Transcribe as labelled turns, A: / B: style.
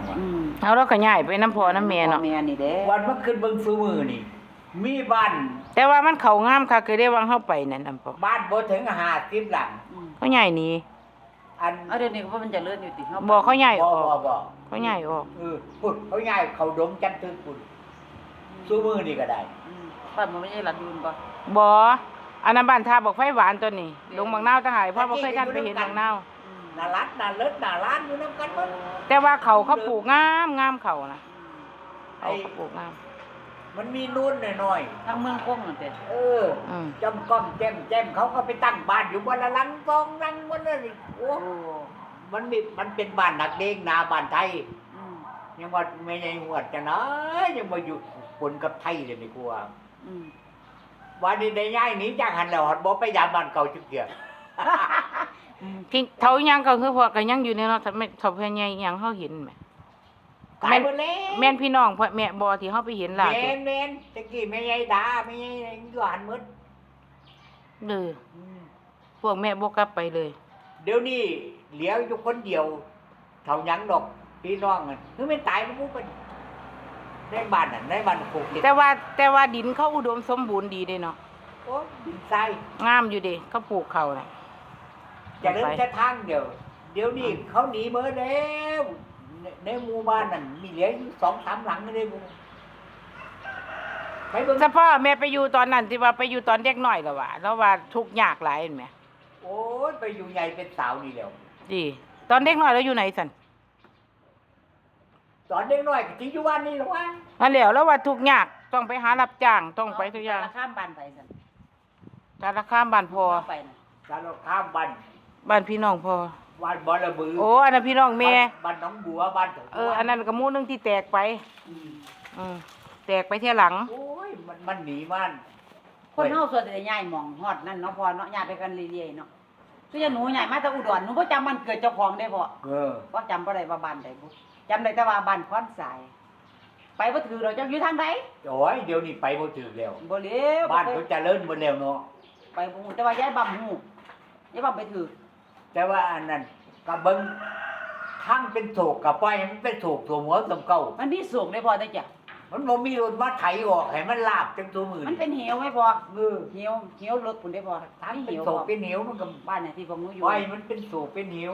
A: ว่ะ
B: เอาเราก็ย้ายไปน้ำพ่อน้ำแม่เนาะ
C: แม่นี่เด้
A: วันมันขึ้นเบิ่งซุมือนี่มีบ้าน
B: แต่ว่ามันเข้างามค่ะคือได้วางเฮาไปนั่นอำพ่อ
A: บ้านบ่ถึง50หลัง
B: เขาย้ายหนี
A: อัน
C: เอาเดี๋ยวนี้เพราะมันจะเลื่อนอยู่ติเฮา
B: บ่เขาย้ายออก
A: บ่
B: เขาย้ายออก
A: พุ่นเขาย้ายเขาดงจันทึกพุ่นซุมือนี่ก็ได้
C: บ้านมันไม่ใช่หลังยืนบ่
B: บ่อันนั้นบ้านท่าบอกไฟหวานตัวนี้ลงบางนาวทหารพ่อบ่เคยทันไปเห็นบางนาว
A: น่ารักน่าเลิศน่าร้านอยู่นำกันหมด
B: แต่ว่าเขาปลูกงามเขานะเขาปลูกงาม
A: มันมีนู่นหน่อย
C: ทางเมืองคงนั่นเด้
A: ๆจำก้อมแจ่มเขาก็ไปตั้งบ้านอยู่บนละหลังกองนั่งบนนั่นนี่โอ้ มันเป็นบ้านนักเลงนาบ้านไทยยังว่าไม่ใช่หวดจะนะยังมาอยู่ปนกับไทยเลยนี่กูว่าวันนี้ได้ย้ายหนีจากหันแล้วหอดบ่ไปยามบ้านเก่าจุกเดียว
B: ที่เขายังก็คือพวกก็ยังอยู่ในเนาะไม่ทบเพิ่นใหญ่ยังเฮาเห็นแหม
A: ตายหมดแล้ว
B: แม่นพี่น้องพ่อแม่บ่ที่เฮาไปเห็นล่ะ
A: แม่นตะกี้แม่ใหญ่ด่าแม่ใหญ่อยู่หันหมด
B: พวกแม่บ่กลับไปเลย
A: เดี๋ยวนี้เหลียวอยู่คนเดียวเท่ายังดอกพี่น้องอ่ะคือไม่ตายมันบ่เป็นในบ้านน่ะในบ้านปลูกเห็ด
B: แต่ว่าดินเขาอุดมสมบูรณ์ดีเด้เนาะ
A: โอ้ดินทราย
B: งามอยู่เด้เขาปลูกเขาน่ะ
A: จะเดินจะทางเดี๋ยวนี้เขาหนีเมื่อแล้วในหมู่บ้านนั่นมีเหลืออยู่2-3หลังเลยกูไปเบิ่ง
B: แต่พ่อแม่ไปอยู่ตอนนั้นที่ว่าไปอยู่ตอนเด็กน้อยแล้วแล้วว่าทุกข์ยากหลายเห็นไหม
A: โอ้ยไปอยู่ใหญ่เป็นสาวนี่แล้ว
B: ดีตอนเด็กน้อยแล้วอยู่ไหนสัน
A: ตอนเด็กน้อยก็สิอยู่บ้านนี่หรอวะ
B: นั่นแล้วว่าทุกข์ยากต้องไปหารับจ้างต้องไปทุกอย่าง
C: ข้ามบ้านไปซั่น
B: การละข้ามบ้านพ่อ
C: ไปน่ะ
A: การเราข้ามบ้าน
B: บ้านพี่น้องพ่อ
A: บ้านบ่ระบือ
B: โอ้อันนั้นพี่น้องแม่
A: บ้านหนองบัวบ้านของ
B: อันนั้นก็หมู่นึงที่แตกไปแตกไปเที่ยหลัง
A: โอ้ยมันหนีมัน
C: คนเฮาส่วนแต่ย้ายหม่องฮอดนั่นเนาะพ่อเนาะย้ายไปกันเรื่อยๆเนาะคือหนูย้ายมาแต่อุดรหนูบ่จำมันเกิดเจ้าของได้พ่อ บ่จำบ่ได้ว่าบ้านใดบ่จำได้แต่ว่าบ้านคอนสาย ไปบ่ถือเราจักอยู่ทางใด
A: โอ้ยเดี๋ยวนี้ไปบ่ถึงแล้ว
C: บ่เร็ว
A: บ้านเขาเจริญหมดแล้วเนาะ
C: ไปบ่ฮู้แต่ว่าย้ายบ่ฮู้ย้ายบ่ไปถือ
A: แต่ว่าอันนั้นก็เบิ่งทั้งเป็นโศกกับปล่อยให้มันเป็นโศกตัวหัวสำเก่า
C: มันมีสูงได้พ่อได้จ้ะ
A: มันบ่มีรถมาไถออกให้มันลาบจังตัวมือ
C: มันเป็นเหวไหมพ่อ
A: เออ
C: เหวรถพุ่นได้พ่อ
A: ทั้ง
C: มี
A: เป็น
C: เหว
A: โศ
C: พ่
A: ก
C: อ
A: เป็นเหวมันก็
C: บ้านไหนที่พวกหนูอยู่
A: ปล่อยมันเป็นโศกเป็นเหว